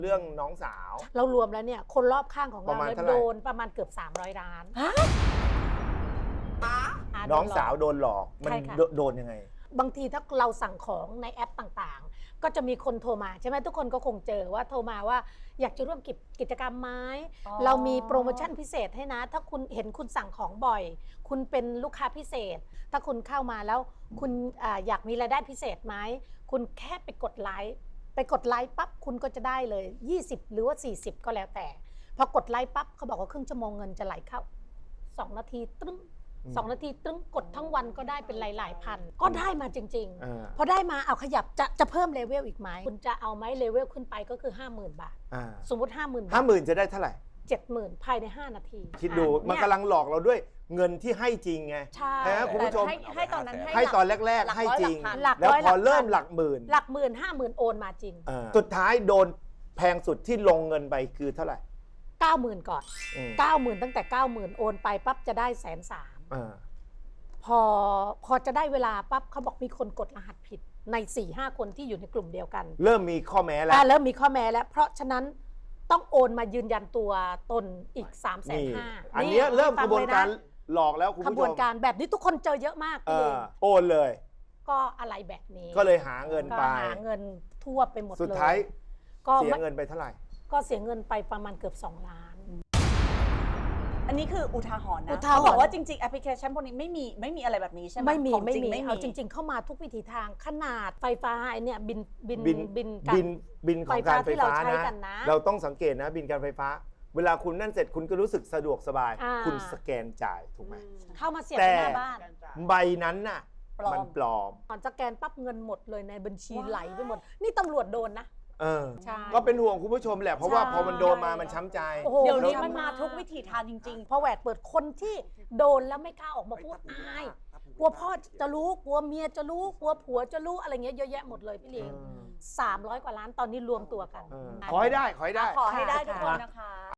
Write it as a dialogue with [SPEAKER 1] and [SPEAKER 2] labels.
[SPEAKER 1] เรื่องน้องสาว
[SPEAKER 2] เรารวมแล้วเนี่ยคนรอบข้างของ
[SPEAKER 1] ประ
[SPEAKER 2] เรา
[SPEAKER 1] มาณ
[SPEAKER 2] เนี่ย
[SPEAKER 1] เท่าไหร่
[SPEAKER 2] โดนประมาณเกือบ300 ล้าน
[SPEAKER 1] น้องสาวโดนหลอกมัน
[SPEAKER 2] ใช่ค่ะ
[SPEAKER 1] โดนยังไง
[SPEAKER 2] บางทีถ้าเราสั่งของในแอปต่างๆ ก็จะมีคนโทรมาใช่ไหมทุกคนก็คงเจอว่าโทรมาว่าอยากจะร่วมกิจกรรมไหมเรามีโปรโมชั่นพิเศษให้นะ ถ้าคุณเห็นคุณสั่งของบ่อย คุณเป็นลูกค้าพิเศษ ถ้าคุณเข้ามาแล้วคุณอยากมีรายได้พิเศษไหมคุณแค่ไปกดไลค์ปั๊บคุณก็จะได้เลย20หรือว่า40ก็แล้วแต่พอกดไลค์ปั๊บเขาบอกว่าครึ่งชั่วโมงเงินจะไหลเข้า2 นาทีตึ้ง2 นาทีตึ้งกดทั้งวันก็ได้เป็นหลายๆพันก็ได้มาจริงๆพอได้มาเอาขยับจะเพิ่มเลเวลอีกไหมคุณจะเอาไหมเลเวลขึ้นไปก็คือ 50,000 บาทสมมติ 50,000 บาท
[SPEAKER 1] 50,000จะได้เท่าไหร่
[SPEAKER 2] 70,000 ภายใน5 นาที
[SPEAKER 1] คิดดูมันกำลังหลอกเราด้วยเงินที่ให้จริงไง
[SPEAKER 2] ใช่
[SPEAKER 1] นะคุณผู้ชม
[SPEAKER 3] ให้ตอนนั้น
[SPEAKER 1] ให้ตอนแรกๆให้จริง
[SPEAKER 2] หลัก
[SPEAKER 1] แล้ว
[SPEAKER 2] ร้อย
[SPEAKER 1] พอเริ่ม
[SPEAKER 2] หลัก
[SPEAKER 1] หลักหมื่น
[SPEAKER 2] หลักหมื่น50,000โอนมาจริง
[SPEAKER 1] สุดท้ายโดนแพงสุดที่ลงเงินไปคือเท่าไหร่
[SPEAKER 2] 90,000 ก่อน 90,000 ตั้งแต่ 90,000 โอนไปปั๊บจะได้130,000พอจะได้เวลาปั๊บเขาบอกมีคนกดรหัสผิดใน 4-5 คนที่อยู่ในกลุ่มเดียวกัน
[SPEAKER 1] เริ่มมีข้อแม้แล้ว
[SPEAKER 2] เริ่มมีข้อแม้แล้วเพราะฉะนั้นต้องโอนมายืนยันตัวตนอีก
[SPEAKER 1] นี่
[SPEAKER 2] 350,000
[SPEAKER 1] อันเนี้ยเริ่มกระบวนการหลอกแล้วคุณ
[SPEAKER 2] ข
[SPEAKER 1] ผู้
[SPEAKER 2] บ
[SPEAKER 1] ช
[SPEAKER 2] วน
[SPEAKER 1] ม
[SPEAKER 2] การแบบนี้ทุกคนเจอเยอะมากพี่เอง
[SPEAKER 1] โอนเลย
[SPEAKER 2] ก็อะไรแบบนี้
[SPEAKER 1] ก็เลยหาเงินไป
[SPEAKER 2] ก็หาเงินทั่วไปหมดเลย
[SPEAKER 1] สุดท้าย
[SPEAKER 2] ก็
[SPEAKER 1] เสียเงินไปเท่าไหร่
[SPEAKER 2] ก็เสียเงินไปประมาณเกือบ2 ล้าน
[SPEAKER 3] อันนี้คืออุทาหรณ์นะ
[SPEAKER 2] อุทาหรณ์
[SPEAKER 3] เขาบอกว่าจริงๆแอปพลิเคชันพวกนี้ไม่มีอะไรแบบนี้ใช่ไหม
[SPEAKER 2] ไม่มี
[SPEAKER 3] ของ
[SPEAKER 2] ไม่
[SPEAKER 3] จริง
[SPEAKER 2] มี
[SPEAKER 3] ไม่มี
[SPEAKER 2] เอาจริง ๆ เข้ามาทุกวิถีทางขนาดไฟฟ้าไอเนี่ยบิน
[SPEAKER 1] บินของการไฟฟ้า
[SPEAKER 2] ที่เราใช้กัน
[SPEAKER 1] นะ
[SPEAKER 2] นะ
[SPEAKER 1] เราต้องสังเกตนะบินการไฟฟ้า เวลาคุณนั่นเสร็จคุณก็รู้สึกสะดวกสบาย คุณสแกนจ่ายถูกไหม
[SPEAKER 2] เข้ามาเสียบ
[SPEAKER 1] แต่
[SPEAKER 2] ที่หน้าบ้าน
[SPEAKER 1] ใบนั้นน่ะมันปลอม
[SPEAKER 2] ก่อนสแกนปั๊บเงินหมดเลยในบัญชีไหลไปหมด นี่ตำรวจโดนนะ ใช่
[SPEAKER 1] ก็เป็นห่วงคุณผู้ชมแหละเพราะว่า
[SPEAKER 2] ใช่
[SPEAKER 1] พอมันโดนมามันช้ำใจ
[SPEAKER 2] โอ้โห
[SPEAKER 3] เดี๋ยวนี้
[SPEAKER 2] ทำ
[SPEAKER 3] มันมาทุกวิถีทางจริง
[SPEAKER 2] พอแหวดเปิดคนที่โดนแล้วไม่กล้าออกมาพูดอายกลัวพ่อจะรู้กลัวเมียจะรู้กลัวผัวจะรู้อะไรเงี้ยเยอะแยะหมดเลยพี่เลี้ยง300 กว่าล้านตอนนี้รวมตัวกัน
[SPEAKER 1] ขอให้ได้ขอให้ได้
[SPEAKER 3] ๆ ขอให้ได้ทุกคนนะคะ